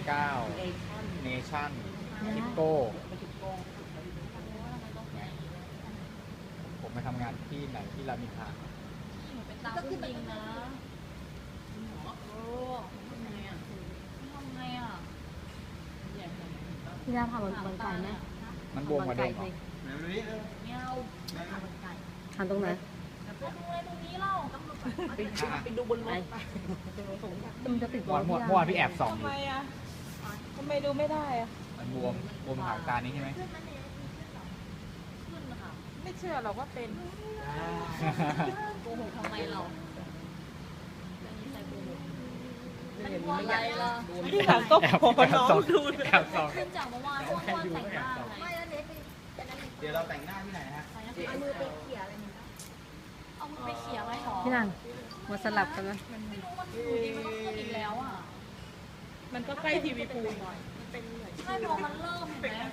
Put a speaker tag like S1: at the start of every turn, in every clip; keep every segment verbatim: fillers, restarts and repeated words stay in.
S1: เก้า
S2: เอชั่น
S1: เนชั่นทิปโก้
S2: ทิปโก้
S1: ผมไปทำงานที่ไหนที่รามอินทรา
S3: เป็นตามผู้บิงนะโอ้ทำไงอ่ะทำไงอ่ะ
S2: พี่ดาพาบอลบอลไก่ไหม
S1: มันบวมกว่าเดิมเหรอ
S3: ไม่เอา
S2: ทานตรงไหน
S3: ไปดูอะไรตรงนี้เล่าตำรวจ
S2: ไปดูบนรถมันจะติด
S1: เมื่อวานเมื่อวานพี่แอบส่องอ
S4: ทำ
S1: ยู่
S4: ไมอ่ะทำไมดูไม่ได้อ่ะ
S1: มันบวมบวมหางตานี้ใช่ไหม
S3: ขึ้นนะคะ
S4: ไม่เชื่อหรอกว่าเป็น
S3: โกหกทำไมเราไม่มีใครโกหกมันกลัวอะไรล่ะ
S4: ที่หลังก็
S1: แอบ
S4: ขอ
S1: แอบ
S4: น้อง
S1: ส่อง
S4: ดูเลย
S1: แอบส่อง
S3: ขึ้นจากเมื่อวานเพราะว่าแต่งหน้าไง
S5: เดี๋ยวเราแต่งหน้าที่ไหนฮะ
S3: เอามือไปเขี่ยอะไรนี่เอามือไปเขี่ยไว้หรอ
S2: พี่นางมาสลับกันไหม
S3: ไม่รู้มันอยู่ดีมันก็ขึ้นอีกแล้วอ่ะ
S4: มันก็ใกล้ทีวีพูลหน่อย
S3: ใช่พอมันเริ่มเห็นไหม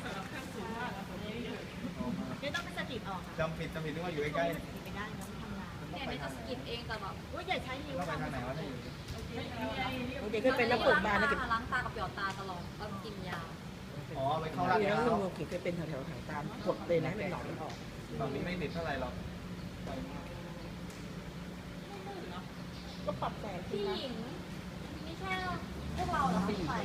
S3: ไม่ต้องไปสะกิดออก
S5: จำผิดจำผิดนึกว่าอยู่ใกล้
S3: เนี่ยไม่จะสะกิดเองแต่แบบอุ้ยอย่าใช้นิ้ว
S5: ๆต้องไปทางไหนวะถ้าอยู่
S2: เด็กก็เป็นนักเปิดบานนะเก็บ
S3: ล้างตากับหยอดตาตลอดต้องกินยา
S5: อ๋อไปเข้าร้าน
S2: เดี๋ยว
S5: ค้า
S2: เราเก็บเป็นแถวๆทางตามกดเลยนะเป็นหนอนมันออก
S5: ตอนนี้ไม่ติดเท่าไหร่หรอก
S2: ก็ปรับแต่ง
S3: พี่หญิงไม่ใช่พวกเราเหรอที่ไป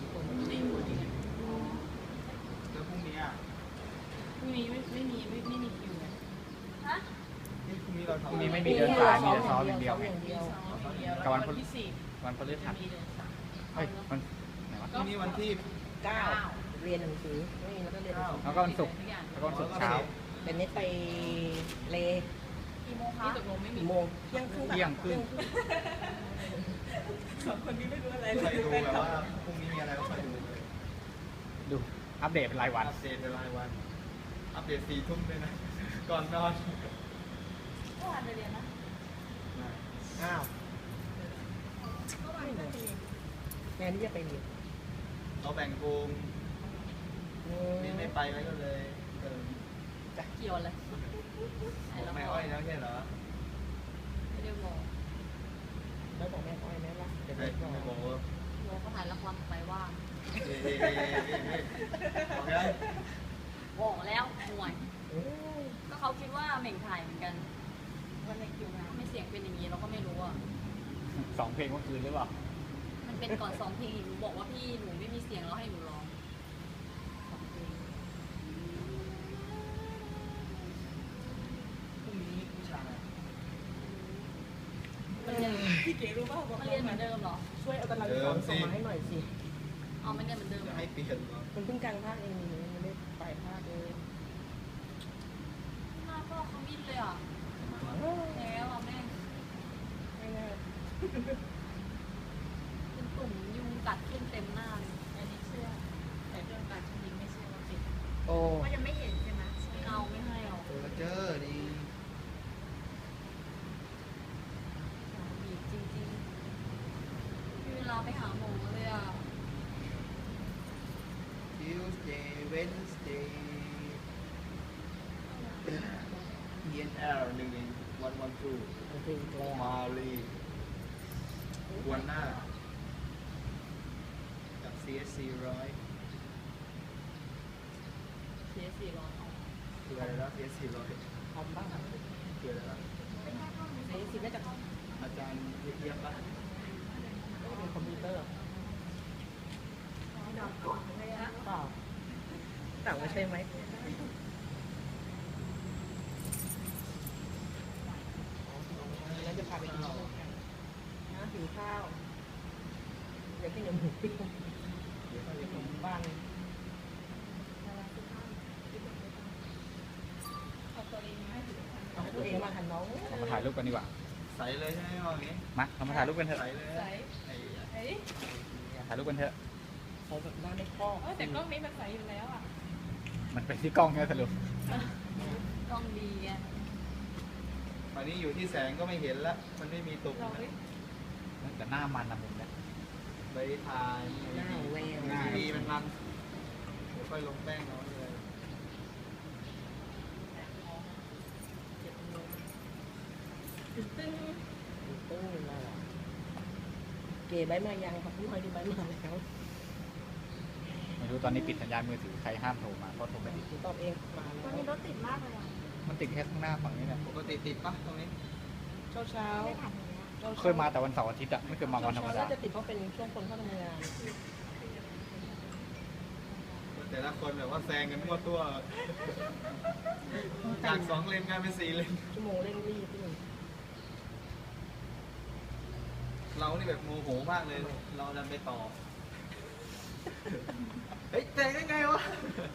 S5: แล้วพรุ่งนี้อ่ะ
S4: พรุ่งนี้ไม่ไม่มีไม่ไม่มีคิวเลย
S3: ฮะ
S5: นี่พรุ่งนี้เรา
S1: พ
S5: ทำ
S1: รุ่งนี้ไม่มีเดินสายมีแต่ซ้อมอย่างเดียวไง
S4: เดียว
S1: กับวันพฤ
S4: ที่สี่
S1: วันพฤหัสเฮ้ยมันไหนวะ
S5: พรุ่งนี้วันที่
S2: เก้าเรียนหนังสือไม่แล้วก็เรียนหนังสือ
S1: แล้วก็วันศุกร์แล้วก็วันศุกร์เช้า
S2: เป็นเน็ตไปเล
S3: กี่โมงคะ
S4: ตกลงไม่มี
S2: กี่โมงเที่ยงครึ่ง
S1: เที่ยงครึ่ง
S4: สองคนนี้ไม่รู้อะไร
S5: ใครดูแบบว่าพรุ่งนี้มีอะไรก็ไปดู
S1: ดูอัปเดตเป็นรายวัน
S5: อัปเดตเป็นรายวัน อัปเดตสี่ทุ่มเลยนะ ก่อนนอน
S3: เมื่อวานไปเรียนนะ
S2: อ้าว
S3: เมื่อวานไปเรียน
S2: แม่นี่จะไปเรียน
S5: เราแบ่งกลุ่มนี่ไม่ไปไว้ก็เลยเออ
S3: เกี่ยวอะไรไหน
S5: บอก
S3: เรา
S5: ไม่
S3: บ
S5: อ้
S3: อ
S5: อก ยแล้วใช่เหรอ
S3: ไม่ได้บอก
S2: แล้วบอกแม่อ้อยแม่ว่าเดี๋ยว
S5: เฮ้
S2: แม่
S5: ย
S2: บอก
S5: ไม่บอกว่า
S3: บอกเขาถ่ายละครไปว่า
S5: เฮ้ยเฮ้ยเฮ้ยเฮ้ยบอกยัง
S3: บอกแล้วห่วย
S2: เอ้ย
S3: ก็เขาคิดว่าเหม่งถ่ายเหมือนกันวันในคิวงานไม่เสียงเป็นอย่างนี้เราก็ไม่รู้อ่ะ
S1: สองเพลงเมื่อคืนหรือเปล่า
S3: มันเป็นก่อนสองเพลงหนูบอกว่าพี่หนูไม่มีเสียงแล้วให้หนูร้องสองเพลง
S5: พรุ่งนี้ผู้ชาย
S3: มันยัง
S4: พี่เก๋รู้ป่ะบอก
S3: มันเรียนเหมือนเดิมเหรอ
S2: ช่วยเอาตารางสอนส่งมาให้หน่อยสิ
S3: เอามันเรียนเหมือนเดิมเหร
S5: จะ
S3: อ
S5: ให้เปลี่ยนเหรอ
S2: มันเพิ่งกลางภาคเองมันไม่ได้ปลายภาคเลย
S3: หน้าพ่อเขามิดเลยอ่ะแล้วอ่ะแม่ง
S2: ไม่น่า
S3: เป็นตุ่มยุงกัดขึ้นเต็มหน้าเลย
S4: อันนี้เชื่อแต่เรื่องการชนิงไม่เชื่อว่าเป็น
S2: โอ้
S3: ก็ยังไม่เห็นใช่ไหมไม่เอาไม่ให้เอา
S5: เออเจอดี
S3: บีบจริงๆมีเวลาไปหาหมอเลยอ่ะ
S5: ทิวสเดย์เวนสเดย์เอ็นเอลหนึ่งวันวันทู
S2: มันเป็นอีกแล้ว
S5: มาลีวันหน้ากับ ซี เอส ซี ร้อย
S3: เสียสี่ร้อย
S5: คืออะไรแล้ว ซี เอส ซี ร้อย
S2: ทำบ้าง
S5: คืออะไรแล้ว
S2: ไอ้สิน่าจะ
S5: อาจารย์เยี่ยมปะ
S2: เป็นคอมพิวเตอร์เปล่าต่างว่าใช่ไหมแล้วจะพาไปกินข้าวกันนะหิวข้าวเดี๋ยวกินหมูปิ้งเดี๋ยวขนมบ้าง
S4: เอาตัวเองมาให้ถึง
S2: เอาให้ตัวเองมาหันน้อง
S1: เรามาถ่ายรูปกันดีกว่า
S5: ใสเลยใช่ไหมมองนี้
S1: มาเรามาถ่ายรูปกันเถอะ
S5: ใสเลย
S4: ใส
S5: ไอ้
S4: เฮ้ย
S1: ถ่ายรูปกันเถอะ
S2: ใส่แบบหน้าไม่ครอบ
S4: เออแต่กล้องนี้มันใสอยู่แล้วอ่ะ
S1: มันเป็นที่กล้องเนี่ยสรุป
S3: กล้องดีไง
S5: วันนี้อยู่ที่แสงก็ไม่เห็นละมันไม่มีตุ่ม
S4: ลองดิ
S1: แต่หน้ามันนะผมเนี่ย
S5: ใบทาย
S2: หน้าแวว
S5: ทีวีมันมันเดี๋ยวค่อยลงแป้งเอาเลย
S4: ตึ้ง
S2: ตึ้งเลยเก๋ใบมายังครับพี่พลอยดูใบมาแล้ว
S1: ไม่รู้ตอนนี้ปิดสัญญาณมือถือใครห้ามโทรมาเพราะโทรไม่ติด
S2: ตอบเองมา
S3: วัน
S2: แล้
S3: นี้
S2: ว
S3: รถติดมากเลยอ่ะ
S1: มันติดแค่ข้างหน้าฝั่งนี้แหละ
S5: ปกติติดปะตรงนี้
S2: เช้าเช้า
S3: ไม่ผ่านอย่างเงี้ย
S1: เคยมาแต่วันเสาร์อาทิตย์อะไม่เคยมาวันธรรมดา
S2: น่าจะติดเพราะเป็นช่วงคนเข้าทำงาน
S5: แต่ละคนแบบว่าแซงกันมั่วตัว จากสองเลนกลายเป็นสี่เลน
S2: ชั่วโมงเร่งรีบพี่หนึ่ง
S5: เรานี่แบบโมโหมากเลย เราดันไปต่อ เฮ้ยแซงได้ไงวะ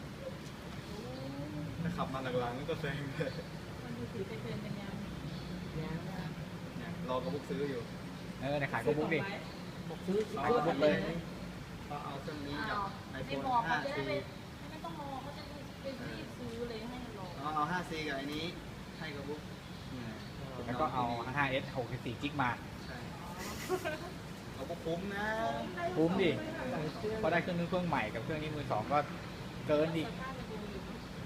S5: ถ้าขับมาหลังๆก็แซงเลย
S4: มันดูถือไปเป็นเป็นยัง
S2: เนี่ย
S5: เนี่ยรอกระบุกซื้ออยู่
S1: เออในขายก็บุ๊กดิ
S2: บอกซื้อ
S5: เอา
S2: ซื้อก
S5: ระบุ
S2: กัน
S5: ก
S2: เล
S5: เลย ยก็เอาเครื่องนี้กับ
S3: อ้าว
S5: ไอโฟ
S3: ไม่
S5: น
S3: บอกเขา
S5: ห้า
S3: จะได้
S5: ซี
S3: ไปไม่ต้องรอเขาจะไปรีบซื้อเลยให้รอ
S5: เอาเอาห้าซีกับไอ้นี้ให้กระบุกเนี่ย
S1: แล้วก็เอา ไฟว์ เอส หกสิบสี่จิกมา
S5: ใช่เอาพวกคุ้มนะ
S1: คุ้มดิ
S2: ใส่เครื่อง
S1: เพราะได้เครื่องนึงเครื่องใหม่กับเครื่องนี้มือสองก็เกินดิ
S4: สภาพจะดูอยู่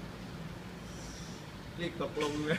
S5: รีบตกลงเลย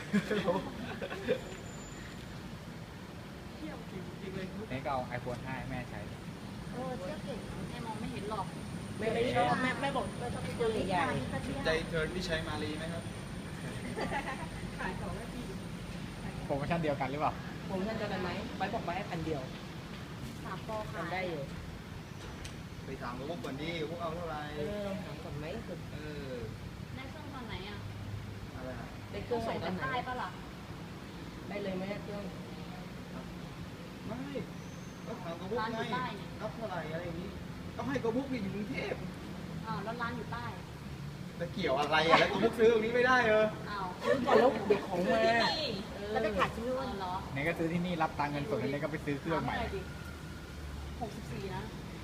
S5: เที่ยวจริงๆเลย
S1: นี่ก็เอา ไอโฟน ห้าให้แม่ใช้
S3: เออเที่ยวเก่งแม่มองไม่เห็นหรอก
S2: แม่ไม่ชอบแม่แม่บอกแม่ชอบเครื่องใหญ่
S5: ใจเทิร์นที่ใช้มารีไหมครับ
S4: ขายของแล้วดี
S1: โปรโมชั่นเดียวกันหรือเปล่า
S2: ๆผมท่านจะกันไหมไปบอกไปให้พันเดียว
S3: สามปอ
S2: ทำ
S3: ขาย
S2: ได้อยู่
S5: ไปถามกระบุกก่อนดิกระบุกเอาเท่าไหร่
S2: เออถามก่อนไหมคือ
S5: เออ
S3: ได้เครื่องตอนไหนอ่ะ
S5: อะไรอะ
S2: ได้เค
S3: ต้
S2: รื่
S3: อ
S2: อง ง
S3: ส่
S2: ใส่
S3: ง
S2: ต
S3: กั
S2: อน
S3: น
S2: ไหน
S3: ใต้ปะล่ะ
S2: ได้เลยไหมเครื่อง
S5: ไม่ก็ถามกระบุกไงรับเท่าไหร่อะไรอย่างนี้ก็ให้กระบุกนี่อยู่กรุงเทพ
S3: อ้าวแล้วร้านอยู่ใต้
S5: แต่เกี่ยวอะไรอ่ะแล้วกระบุกซื้อตรงนี้ไม่ได้เออ
S3: อ้าว
S2: ซื้อก่อนแล้วเด็กของมาเออ
S3: แล้วไปขาดชื่อเหรอ
S1: นี่ก็ซื้อที่นี่รับตังค์เงินสดแล้วนี่ก็ไปซื้อเครื่องใหม่
S3: หกสิบสี่นะ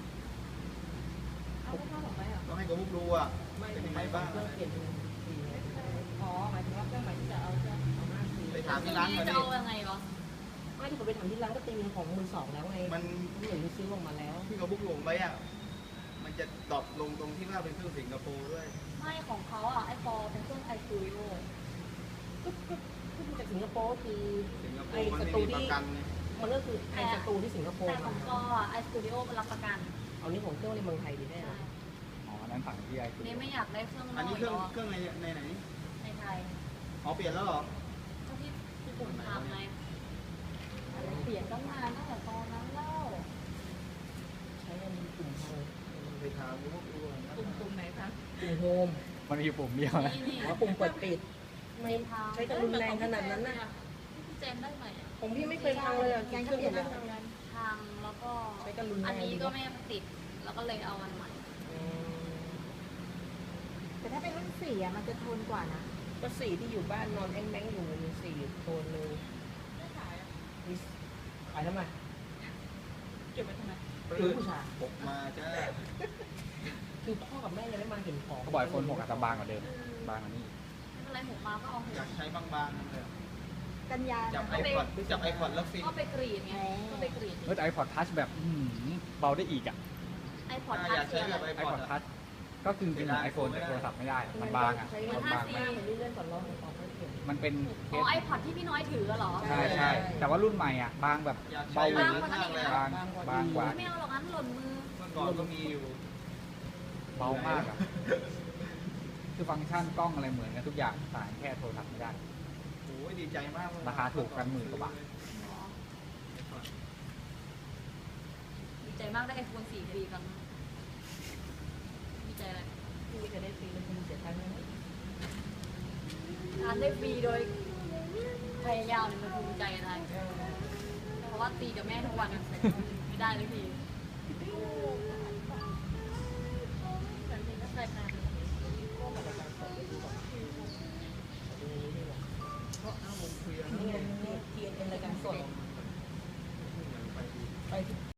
S4: เอาข้าวของไปเหรอ
S5: ต้องให้กระบุกดูอ่ะ
S2: ไม่
S5: เป็นยัง
S2: ไม่
S5: ไง
S2: บ้า
S5: บ้าง ง
S2: เครื่องเปลี่ยนเป็นสีไง
S4: อ๋อหมายถึงว่าเครื่องหมายที่จะเอาจะ
S2: เอาห้าสี
S5: ไปถามที่ร้าน
S3: นี่
S5: มา
S3: จะ
S5: ดิ
S3: เอายังไงวะ
S2: ไม่ที่ผมไปทำที่ร้านก็ตีเป็นของมือสองแล้วไง
S5: มัน
S2: เหมือนซื้อออกมาแล้ว
S5: ที่กระบุกลงไปอ่ะมันจะดรอปลงตรงที่ว่าเป็นเครื่องสิงคโปร์ด้วย
S3: ไม่ของเขาอ่ะไอฟอเป็นเครื่องไอซูริโอ
S2: ก็ก็ก็มาจากสิงคโปร์คือ
S5: สิงคโป
S2: ไอ้
S5: ร์มัน
S2: ส
S5: ไม่
S2: ตู
S5: มีป
S2: ที่
S5: ระกันไง
S2: มันก็คือไอ้สตูที่สิงคโปร์
S3: แต่ข
S2: มา
S3: องก็ไอสตูดิโอมันรับประกัน
S2: เอานี่ของเครื่องในเมืองไทยดีแน่
S3: ใช่
S1: อ๋อ นั้นฝั่งที่ไอคือ
S3: นี่ไม่อยากได้เครื่องน
S5: อัน
S3: อ
S5: นี้
S3: ก
S5: เครื่อง
S3: หรอ
S5: เครื่องในในไหน
S3: ในไทย
S5: อ๋อเปลี่ยนแล้วเหรอ
S3: ก็ที่ที่ผมทำไงอะไรเปลี่ยนตั้งนานตั้งแต่ตอนนั้นแล้ว
S2: ใช้อันนี้กลุ่มทาง
S5: ไปถามกระบุกดูนะ
S4: กลุ่มกลุ่มไหนคะ
S2: กลุ่มโฮม
S1: มันมีปุ่มเดียวนะ
S3: นี่นี่
S2: หรือว่าปุ่มเปิดปิด ไม่
S3: ทาง
S2: ใช้กันรุนแรงขนาดนั้นน่ะ
S3: พี่เจมได้ไหมอะ
S2: ผมพี่ไม่เคยพังเลยอ่ะเครื่องเปลี่ยนแล้ว
S3: ทางแล้วก็
S2: ใช้กันรุนแรง
S3: อันนี้ก็ไม่ติด แล้วก็เลยเอาอันใหม่
S2: อืม
S3: แต่ถ้าเป็นรุ่นสี่อะมันจะทนกว่านะ
S2: ก็สีที่อยู่บ้านนอนแอ้งแมงอยู่มีสีโทนเลย
S4: ไม่ขายอ่ะ
S2: มีขายทำไม
S4: เก็บไว้ทำไม
S2: คือผู้ชาย
S5: ปกมาจ้า
S2: คือพ่อกับแม่ยังไม่มาเห็นของ
S1: เขาบอกไอโฟนหกอาจจะบางกว่าเดิม บางกว่านี้
S3: ไม่เป็นไรหกมาก็เอาหก
S5: อยากใช้บางๆนั่นเลย
S3: กันยา
S5: จับไอพอดจับไอพอดแล้วฟิน
S3: ก็ไปกรีดไงก็ไปกรีด
S1: เมื่อไอพอดทัชแบบอื้อหือเบาได้อีกอ่ะ
S3: ไอพอด
S5: อ่า
S3: ทั
S5: อยาก
S3: ช
S5: ใช้
S3: เสีย
S5: แบบไอ
S1: ไอ
S5: พ
S1: พ
S5: อ
S1: อ
S5: ด
S1: ดทัชก็คือเป็นไอโฟนแต่โทรศัพท์ไม่ได้ มันบางอ่ะ
S2: ใช้
S1: มันบาง
S2: มากเหมือนเลื่อนก่อนรอของออกไม่เขียน
S1: มันเป็นเค
S3: อ๋อ
S1: ส
S3: ไอพอดที่พี่น้อยถือเหรอ
S1: ใช่ใช่แต่ว่ารุ่นใหม่อ่ะ บางแบบ
S5: อยาก
S1: เบา
S5: ใช้
S1: ห
S5: แบ
S1: วื
S5: บ
S1: อ
S5: นั้นมากเลย
S1: บางบางกว่า
S3: ไม่เอาหรอกงั้นหล่นมือ
S5: เมื่อก่อนก็มีอยู่
S1: เบามากอ่ะ คือฟังก์ชันกล้องอะไรเหมือนกันทุกอย่างต่างแค่โทรศัพท์ไม่ได้
S5: โอ้ยดีใจมากเลย
S1: ราคาถูกกันหมื่นกว่าบาท
S3: อ๋อดีใจมากได้ไอโฟนสี่ฟรีกันดีใจอะไร
S2: พี่จะได้ฟรีแล้วคุณเสียตังค์ไหม
S3: ทานได้ฟรีโดยพยายามเนี่ยมันภูมิใจอะไรเพราะว่าตีกับแม่ทุกวันไม่ได้เลยพี่แต่นี่ก็ใส่มา